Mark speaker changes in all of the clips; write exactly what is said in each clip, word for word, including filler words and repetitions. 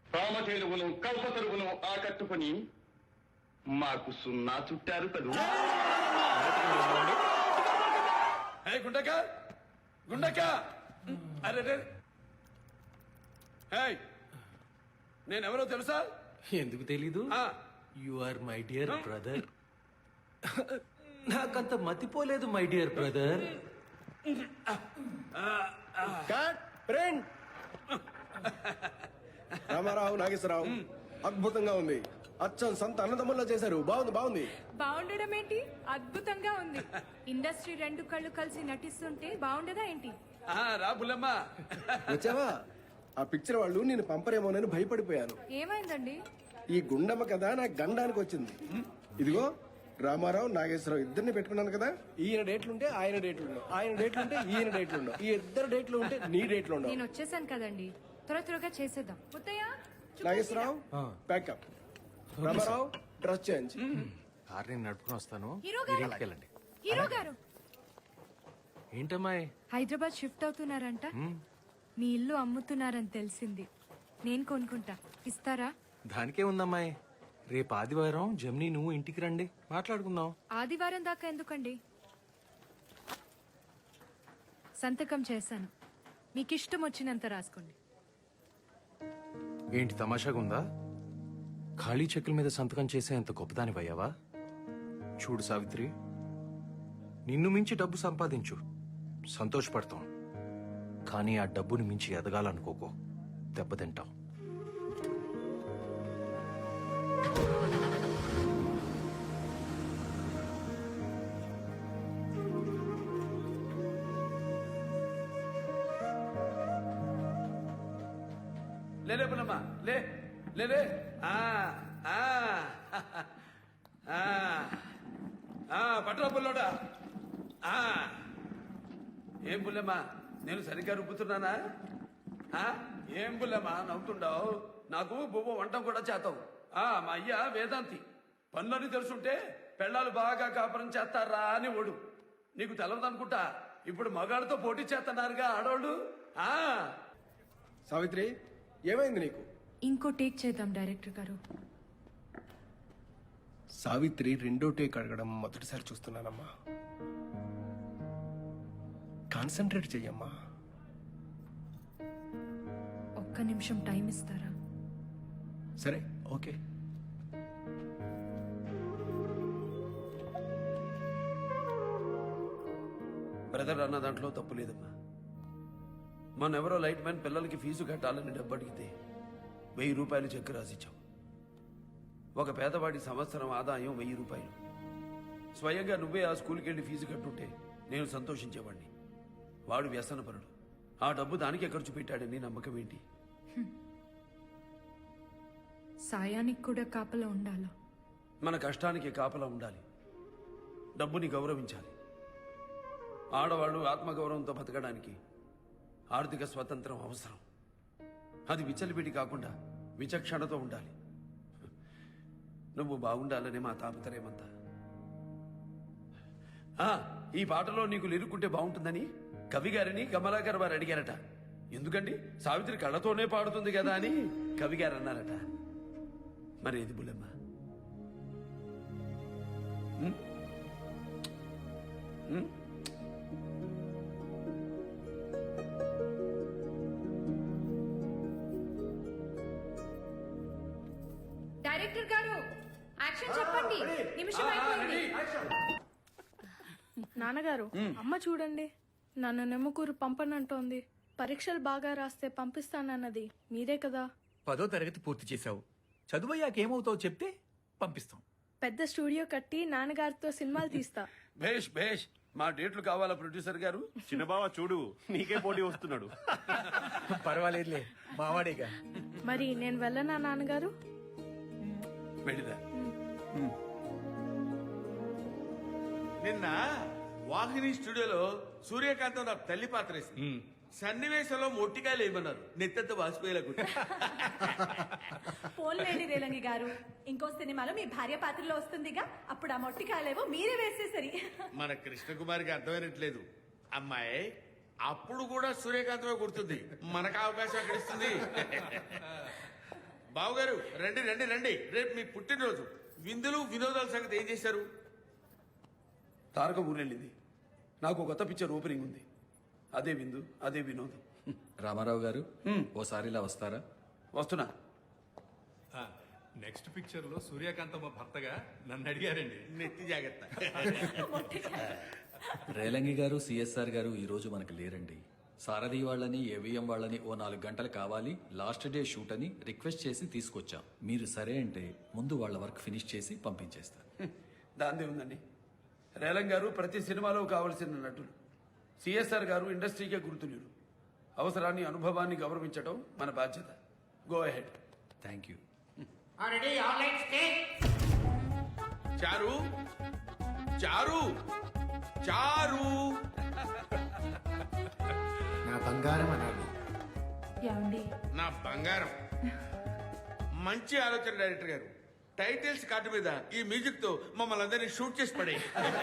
Speaker 1: రామధేనువును కల్పతరువును ఆకట్టుకుని మాకు సున్నా చుట్టారు కదూ.
Speaker 2: గుండక గుండక అరే నేనెవరో తెలుసా?
Speaker 3: ఎందుకు తెలీదు? You are my dear brother. నాకంత మతిపోలేదు my dear brother.
Speaker 4: Ramarao Nageswararao అద్భుతంగా ఉంది. అచ్చం సంత అన్నదమ్ముల్లో చేశారు. బాగుంది బాగుంది.
Speaker 5: బాగుండడం ఏంటి, అద్భుతంగా ఉంది. ఇండస్ట్రీ రెండు కళ్ళు కలిసి నటిస్తుంటే బాగుండదా ఏంటి?
Speaker 2: రా బుల్లమ్మ.
Speaker 4: వచ్చావా? ఆ పిక్చర్ వాళ్ళు నేను పంపరేమోనని భయపడిపోయాను.
Speaker 5: ఏమైందండి?
Speaker 4: ఈ గుండమ్మ కదా నాకు గండానికి వచ్చింది. ఇదిగో రామారావు నాగేశ్వరరావు ఇద్దరిని పెట్టుకున్నాను కదా. ఈయన డేట్లుంటే ఆయన డేట్లు ఉండవు, ఆయన డేట్లుంటే ఈయన డేట్లు ఉండవు, ఈ ఇద్దరు డేట్లు ఉంటే నీ డేట్లు ఉండవు.
Speaker 5: నేను వచ్చేసాను కదండి, త్వర త్వరగా చేసేద్దాం. Muthayya,
Speaker 4: Nageswararao pack up. Ramarao dress change.
Speaker 3: Car నేను నడుపుకుని వస్తాను.
Speaker 5: హీరో గారు.
Speaker 3: ఇంటికి వెళ్ళండి.
Speaker 5: హీరో గారు
Speaker 3: ఏంటమ్మాయి
Speaker 5: హైదరాబాద్ షిఫ్ట్ అవుతున్నారంట. మీ ఇల్లు అమ్ముతున్నారని తెలిసింది. నేను కొనుక్కుంటా, ఇస్తారా?
Speaker 3: దానికే ఉందమ్మాయి. రేపు ఆదివారం జమ్ని నువ్వు ఇంటికి రండి, మాట్లాడుకుందాం.
Speaker 5: ఆదివారం దాకా ఎందుకండి? సంతకం చేశాను, మీకు ఇష్టం వచ్చినంత రాసుకోండి.
Speaker 3: ఏంటి తమాషాగా ఉందా? ఖాళీ చెక్కుల మీద సంతకం చేసే అంత గొప్పదాని అయ్యావా? చూడు సావిత్రి, నిన్ను మించి డబ్బు సంపాదించు, సంతోషపడతాం. కానీ ఆ డబ్బుని మించి ఎదగాలనుకోకో, దెబ్బతింటావు.
Speaker 2: లేలే బుల్లమ్మ, లే లేలే. పట్టురా బుల్లోడా. ఏం బుల్లమ్మ, నేను సరిగ్గా రుబ్బుతున్నానా? ఏం బుల్లమ్మ నవ్వుతుండవు? నాకు బువ్వ వంటం కూడా చేతావు. మా అయ్య వేదాంతి, పనులని తెలుసుంటే పెళ్ళాలు బాగా కాపురం చేస్తారా అని ఓడు. నీకు తెలవదనుకుంటా, ఇప్పుడు మగాడితో పోటీ చేస్తున్నారుగా ఆడోళ్ళు.
Speaker 4: సావిత్రి ఏమైంది నీకు?
Speaker 5: ఇంకో టేక్ చేద్దాం డైరెక్టర్ గారు.
Speaker 4: సావిత్రి రెండో టేక్ అడగడం మొదటిసారి చూస్తున్నానమ్మా. కాన్సన్ట్రేట్ చెయ్యమ్మా.
Speaker 5: ఒక్క నిమిషం టైం ఇస్తారా?
Speaker 4: సరే ఓకే.
Speaker 2: బ్రదర్ అన్న దాంట్లో తప్పు లేదమ్మా. మొన్నెవరో లైట్ మ్యాన్ పిల్లలకి ఫీజు కట్టాలని డబ్బు అడిగితే వెయ్యి రూపాయలు చెక్ రాసిచ్చాం. ఒక పేదవాడి సంవత్సరం ఆదాయం వెయ్యి రూపాయలు. స్వయంగా నువ్వే ఆ స్కూల్కి వెళ్ళి ఫీజు కట్టుంటే నేను సంతోషించేవాడిని. వాడు వ్యసనపరుడు, ఆ డబ్బు దానికే ఖర్చు పెట్టాడని నమ్మకం ఏంటి?
Speaker 5: సాయానికి కూడా కాపలా ఉండాలా?
Speaker 2: మన కష్టానికి కాపలా ఉండాలి, డబ్బుని గౌరవించాలి. ఆడవాళ్ళు ఆత్మగౌరవంతో బతకడానికి ఆర్థిక స్వతంత్రం అవసరం. అది విచ్చలిపిడి కాకుండా విచక్షణతో ఉండాలి. నువ్వు బాగుండాలని మా తాపత్రయమంతా. ఈ పాటలో నీకు లిరుక్కుంటే బాగుంటుందని కవి గారిని కమలాకర్ వారు అడిగారట. ఎందుకండి, సావిత్రి కళ్ళతోనే పాడుతుంది కదా అని కవి గారు అన్నారట. మరి ఏది బుల్లమ్మ?
Speaker 5: డైరెక్టర్ గారు యాక్షన్ చెప్పండి. నిమిషం అయిపోయింది.
Speaker 6: నాన్నగారు, అమ్మ చూడండి, నన్ను నెమ్మకూరు పంపనంటోంది. పరీక్షలు బాగా రాస్తే పంపిస్తానన్నది మీరే కదా.
Speaker 7: పదో తరగతి పూర్తి చేశావు, చదువయ్యాక ఏమవుతావు చెప్తే పంపిస్తాం.
Speaker 6: పెద్ద స్టూడియో కట్టి నాన్నగారితో సినిమాలు తీస్తా.
Speaker 2: భేష్ భేష్. మా డేట్లు కావాలా ప్రొడ్యూసర్ గారు?
Speaker 8: చిన్నబావ చూడు, నీకే పోటీ వస్తున్నాడు.
Speaker 7: పర్వాలేదులే, మావాడేగా.
Speaker 6: మరి నేను వెళ్ళనా నాన్నగారు?
Speaker 2: వెళ్ళిదా.
Speaker 8: నిన్న వాహిని స్టూడియోలో సూర్యకాంతం నాకు తల్లి పాత్ర వేసింది. సన్నివేశంలో మొట్టికాయలు వేయమన్నారు, నెత్తంత వాసిపోయేలా.
Speaker 9: పోన్లేండి రేలంగి గారు, ఇంకో సినిమాలో మీ భార్య పాత్రలో వస్తుందిగా, అప్పుడు ఆ మొట్టికాయలేవో మీరే వేసేసరి.
Speaker 8: మన కృష్ణకుమారికి అర్థమైనట్లేదు. అమ్మాయి అప్పుడు కూడా సూర్యకాంతమే గుర్తుంది, మనకు అవకాశం అక్కడ ఇస్తుంది. బావగారు రండి రండి రండి రేపు మీ పుట్టినరోజు విందులు వినోదాల సంగతి ఏం చేశారు?
Speaker 2: తారక ఊరెళ్ళింది. నాకు కొత్త పిక్చర్ ఓపెనింగ్ ఉంది. అదే విందు, అదే వినోదం.
Speaker 10: రామారావు గారు ఓసారి ఇలా వస్తారా?
Speaker 2: వస్తున్నా.
Speaker 7: నెక్స్ట్ పిక్చర్ లో సూర్యకాంతమ్మ భర్తగా నన్ను అడిగారండి.
Speaker 8: నెత్తి జాగ్రత్త.
Speaker 10: రేలంగి గారు సిఎస్ఆర్ గారు ఈ రోజు మనకు లేరండి. సారథి వాళ్ళని ఏవిఎం వాళ్ళని ఓ నాలుగు గంటలు కావాలి, లాస్ట్ డే షూట్ అని రిక్వెస్ట్ చేసి తీసుకొచ్చాం. మీరు సరే అంటే ముందు వాళ్ళ వర్క్ ఫినిష్ చేసి పంపించేస్తారు.
Speaker 2: దాందే ఉందండి. రేలం గారు ప్రతి సినిమాలో కావలసిన నటులు. సిఎస్ఆర్ గారు ఇండస్ట్రీకే గుర్తులేరు. అవసరాన్ని, అనుభవాన్ని గౌరవించడం మన బాధ్యత. Go ahead.
Speaker 10: Thank you.
Speaker 8: చారు చారు చారు
Speaker 4: నా బంగారం అనాలి.
Speaker 9: ఏమండి
Speaker 8: నా బంగారం. మంచి ఆలోచన డైరెక్టర్ గారు. టైటిల్స్ కార్డు మీద ఈ మ్యూజిక్ తో మమ్మల్ని అందరినీ షూట్ చేసి పడే.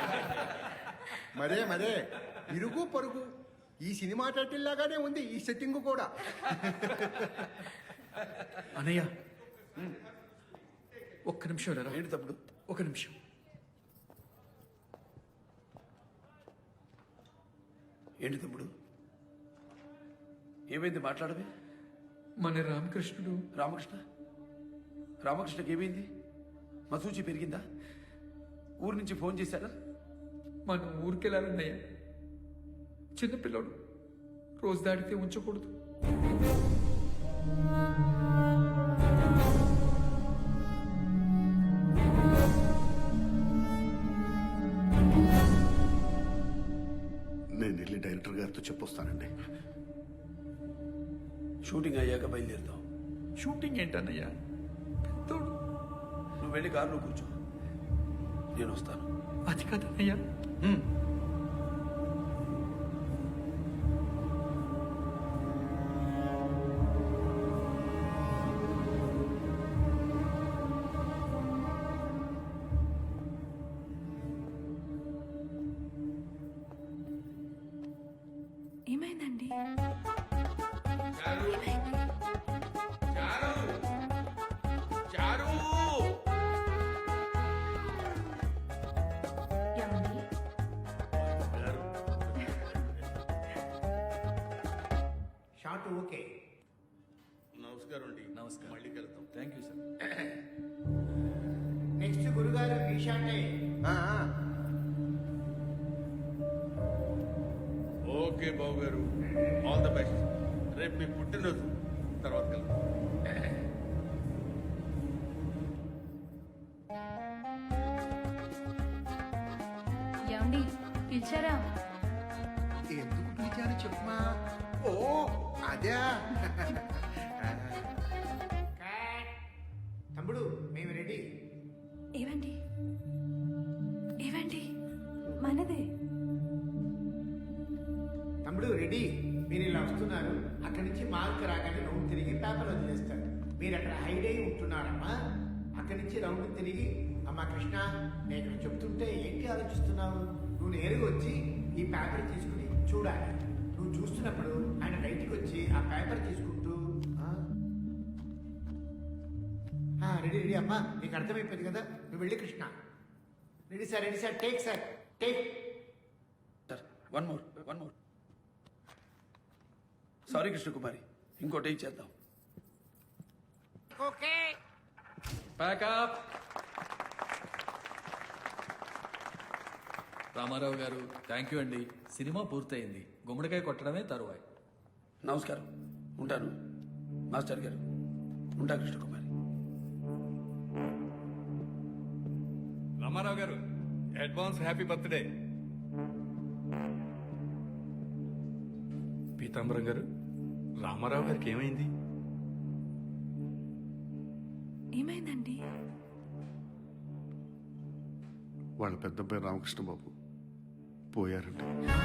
Speaker 4: మరే మరే ఇరుగు పొరుగు ఈ సినిమా టైటిల్ లాగానే ఉంది ఈ సెట్టింగ్ కూడా.
Speaker 7: అనయ్య ఒక్క నిమిషం రా.
Speaker 2: ఏంటి తప్పుడు?
Speaker 7: ఒక నిమిషం.
Speaker 2: ఏంటి తప్పుడు? ఏమైంది? మాట్లాడమే.
Speaker 7: మన రామకృష్ణుడు
Speaker 2: రామకృష్ణ రామకృష్ణకి ఏమైంది? మసూచి పెరిగిందా? ఊరు నుంచి ఫోన్ చేశాడా?
Speaker 7: మనం ఊరికెళ్ళాలన్నయ్య. చిన్నపిల్లడు రోజు దాటితే ఉంచకూడదు.
Speaker 1: నేను వెళ్ళి డైరెక్టర్ గారితో చెప్పొస్తానండి.
Speaker 2: షూటింగ్ అయ్యాక బయలుదేరుతాం.
Speaker 7: షూటింగ్ ఏంటన్నయ్య? పెద్దోడు.
Speaker 2: నువ్వు వెళ్ళి కారులో కూర్చో, నేను వస్తాను.
Speaker 7: అది కాదన్నయ్య.
Speaker 5: ఏమైందండి?
Speaker 8: చారు చారు చారు
Speaker 9: ఏమండి
Speaker 4: షార్ట్ ఓకే.
Speaker 8: నమస్కారం అండి.
Speaker 10: నమస్కారం.
Speaker 8: మళ్ళీ కలుద్దాం.
Speaker 10: Thank you sir.
Speaker 4: నెక్స్ట్ గురుగారు ఈ షాటే.
Speaker 8: ఓకే బాబు గారు, ఆల్ ద బెస్ట్. రేపు మీ పుట్టినరోజు తర్వాత కలుద్దాం.
Speaker 5: ఏమండి పిలిచారా?
Speaker 4: ఎందుకు పిలిచారు చెప్పమా? ఓ అదే. తమ్ముడు మేము రెడీ.
Speaker 5: ఏవండి ఏవండి మనదే.
Speaker 4: తమ్ముడు రెడీ. మీరు ఇలా వస్తున్నారు. అక్కడి నుంచి మార్క్ రాగానే రౌండ్ తిరిగి పేపర్ వదిలేస్తాడు. మీరు అక్కడ హైడ్ అయి ఉంటున్నారమ్మా. అక్కడి నుంచి రౌండ్ తిరిగి అమ్మా కృష్ణ నేను ఇక్కడ చెప్తుంటే ఏంటి ఆలోచిస్తున్నావు? నువ్వు నేరుగా వచ్చి ఈ పేపర్ తీసుకుని చూడాలి. నువ్వు చూస్తున్నప్పుడు ఆయన బయటికి వచ్చి ఆ పేపర్ తీసుకుంటూ రెడీ రెడీ అమ్మా. నీకు అర్థమైపోయింది కదా. నువ్వు వెళ్ళి Krishna. Ready sir ready sir take sir take.
Speaker 2: Sir one more one more. Sorry Krishnakumari, ఇంకో టేక్ చేద్దాం.
Speaker 4: ఓకే.
Speaker 10: ప్యాకప్. రామారావు గారు థ్యాంక్ యూ అండి. సినిమా పూర్తయింది. గుమ్మడికాయ కొట్టడమే తరువాయి.
Speaker 2: నమస్కారం, ఉంటాను. మాస్టర్ గారు ఉంటా. కృష్ణకుమారి.
Speaker 7: రామారావు గారు అడ్వాన్స్ హ్యాపీ బర్త్డే. పీతాంబరం గారు, రామారావు గారికి ఏమైంది?
Speaker 5: ఏమైందండి?
Speaker 1: వాళ్ళ పెద్ద అబ్బాయి రామకృష్ణ బాబు పోయారండి.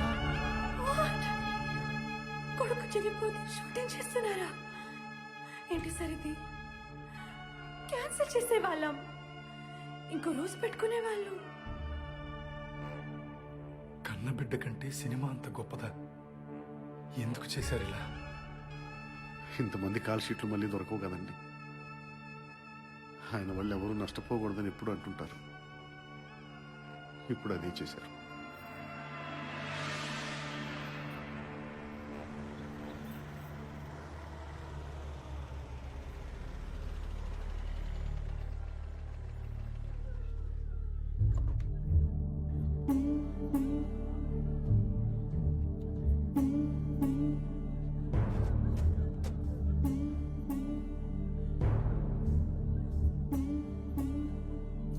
Speaker 5: కొడుకు చనిపోతే షూటింగ్ చేస్తున్నారా? ఏంటి సార్ ఇది? క్యాన్సిల్ చేసేవాళ్ళం, ఇంకో రోజు పెట్టుకునే వాళ్ళు.
Speaker 7: కన్నబిడ్డ కంటే సినిమా అంత గొప్పదా? ఎందుకు చేశారు ఇలా?
Speaker 1: ఇంతమంది కాల్ షీట్లు మళ్ళీ దొరకవు కదండి. ఆయన వాళ్ళు ఎవరూ నష్టపోకూడదని ఎప్పుడు అంటుంటారు. ఇప్పుడు అదే చేశారు.